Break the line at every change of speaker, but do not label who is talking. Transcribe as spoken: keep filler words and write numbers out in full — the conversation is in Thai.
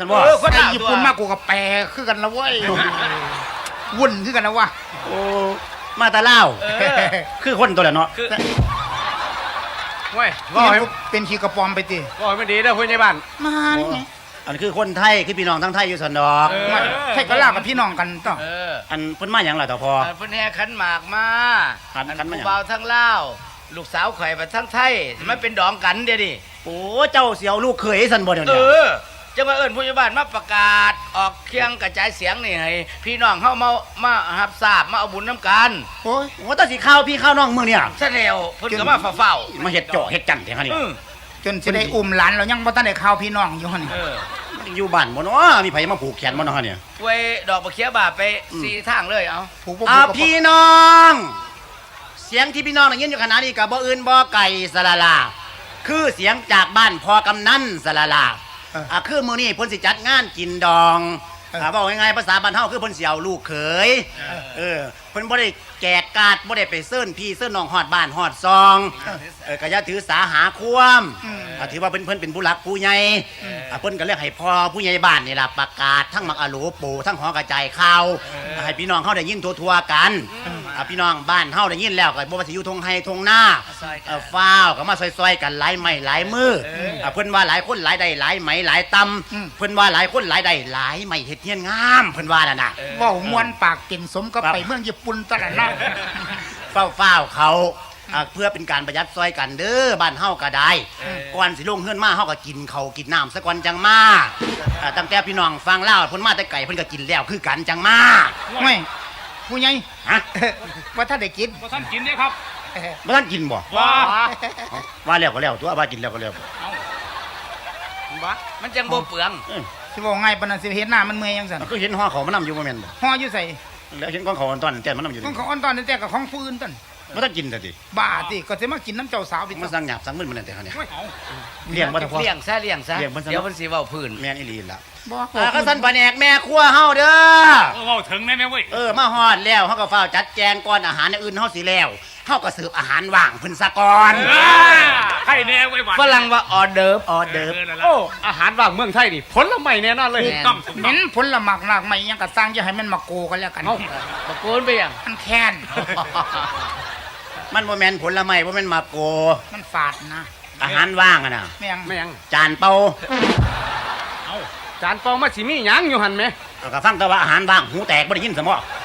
ซั่นบ่
ไอ้ญี่ปุ่นมากกูกับแปรคือกันละเว้ยวุ่นคือกันนะวะ
โอ้มาแต่ลาวคือคนตัวละเนาะ
เว้ยว่าเป็นขี้กระปอมไปติ
ว่าไม่ดีเด้อผู้ใหญ่บ้าน
มาไง
อันคือคนไทยคือพี่น้องทั้งไทยอยู่สันดอก
ใช่ก็ลากับพี่น้องกันต่อ
อันเพิ่นมาหยังล่ะต่อพอ
เพิ่นแห่ขันหมากมา
ขันขันมาหยัง
ผู้บ่าวทั้งลาวลูกสาวข่อยไปทั้งไทยมันเป็นดองกันเดี๋ยวดิ
โอ้เจ้าเสียวลูกเขยสันบ่เดี๋ยวนี้
เออจะมาเอิ้นผู้ใหญ่บ้านมาประกาศออกเคียงกระจายเสียงนี่ให้พี่น้องเฮามามารับทราบมาเอาบุญน้ำกัน
โอ้ยโอ้ตาสิข้าวพี่ข้าวน้องมึงเนี่ย
ซะแล้วเพิ่นก็มาเฝ้า
ๆมาเฮ็ดเจาะเฮ็ดจันแท้นี่
จนสิได้อุ้มหลานเรายังบ่ทันได้ข่าวพี่น้องอยู่หั่น
เออ
อยู่บ้านบ่เนาะมีไผมาผูกแขนบ่เนาะเนี่ย
ไว้ดอกบักเขียบาไปสี่ทางเลยเอา
อ่าพี่น้องเสียงที่พี่น้องได้ยินอยู่ขณะนี้ก็บ่อื่นบ่ไกลสละลาคือเสียงจากบ้านพ่อกำนันสละลาอ่าคือมื้อนี้เพิ่นสิจัดงานกินดองอ่าเว้าง่ายๆภาษาบ้านเฮาคือเพิ่นสิเอาลูกเขยเออเพิ่นบ่ได้แจกกาดบ่ได้ไปเซิ้นพี่เซิ้นน้องฮอดบ้านฮอดซองเออก็อย่าถือสาหาความอ่าถือว่าเพิ่นเพิ่นเป็นผู้หลักผู้ใหญ่อ่าเพิ่นก็เรียกให้พ่อผู้ใหญ่บ้านนี่ล่ะประกาศทั้งมักอะโหลปู่ทั้งหอกระจายข่าวให้พี่น้องเฮาได้ยินทั่วๆกันอ่าพี่น้องบ้านเฮาได้ยินแล้วก็บ่ว่าสิอยู่ทงไห้ทงนาเออฟ้าวก็มาซอยๆกันหลายไม้หลายมืออ่าเพิ่นว่าหลายคนหลายได้หลายไหมหลายตำเพิ่นว่าหลายคนหลายได้หลายไม้เฮ็ดเฮียนงามเพิ่นว่าน่ะนะ
เว้ามวนปากกินสมกับไปเมืองญี่ปุ่นตะละนะ
เฝ้าเฝ้าเขาเพื่อเป็นการประหยัดซอยกันเด้อบ้านเฮาก็ได้ก่อนสิลงเฮือนมาเฮาก็กินเขากินน้ำซะก่อนจังมาตั้งแต่พี่น้องฟังเล่าเพิ่นมาแต่ไก่เพิ่นก็กินแล้วคือกันจังมา
ไม่ผู้ใหญ่
ฮะ
ว่าถ้าได้กิน
ว่าท่านกินได้ครับ
ว่าท่านกินบ่
ว่า
ว่าแล้วก็แล้วตัวว่ากินแล้วก็แล้ว
ว่ามันจังบ่เปลือง
สิบอกง่ายปานนั้นสิเห็นหน้ามันเมื่อยจังซั่น
ก็เห็นห่อเขามันนำอยู่บ่แม่นบ่
ห่ออยู่ใส่
แล้วเห็นของเขาตอนแต่มันนำอยู่
ของเขาอ่อนตอนแต่กับของผู้อื่นต้น
บ่ต้องกินซะติ
บ้าติก็สิมากินน้ำเจ้าสาวไป
มาสั่งหยาบสั่งมึนมันนั่นแต่เขาเนี่ย
เลี้ยงบ่ทันพอเลี้ยงซะเลี้ยงซะเดี๋ยวเพิ่นสิเว้าพื้น
แม่นอีหลีล่ะบ่อ่าก็สั่นปะแหนกแม่ครัวเฮาเด้อ
เออเว้าถึงแม่ๆเว้ย
เออมาฮอดแล้วเฮาก็ฟ้าวจัดแจงก่อนอาหารอื่นเฮาสิแล้วเฮาก็เสิร์ฟอาหารว่างเพิ่นซะก่อน
ไข่แน่ไว้หวาน
ฝรั่งว่าออเดิร์ฟ
ออเดิร์ฟ
โอ้อาหารว่างเมืองไทยนี่ผลไม้แน่นอนเลย
ต้องเน้นผลไม้หลากหลายยังก็สร้างอย่าให้มันมาโกกันแล้วกัน
มาโกนไปยัง
มันแค้น
มันบ่แม่นผลไม้บ่แม่นมาโก
มันฝาดนะ
อาหารว่างอ่ะน่ะ
แม่ง
แม่ง
จานเปา
เอ้าจานเปามาสิมีหยังอยู่หั่นแหม
ก็ฟังแต่ว่าอาหารว่างหูแตกบ่ได้ยินซะบ่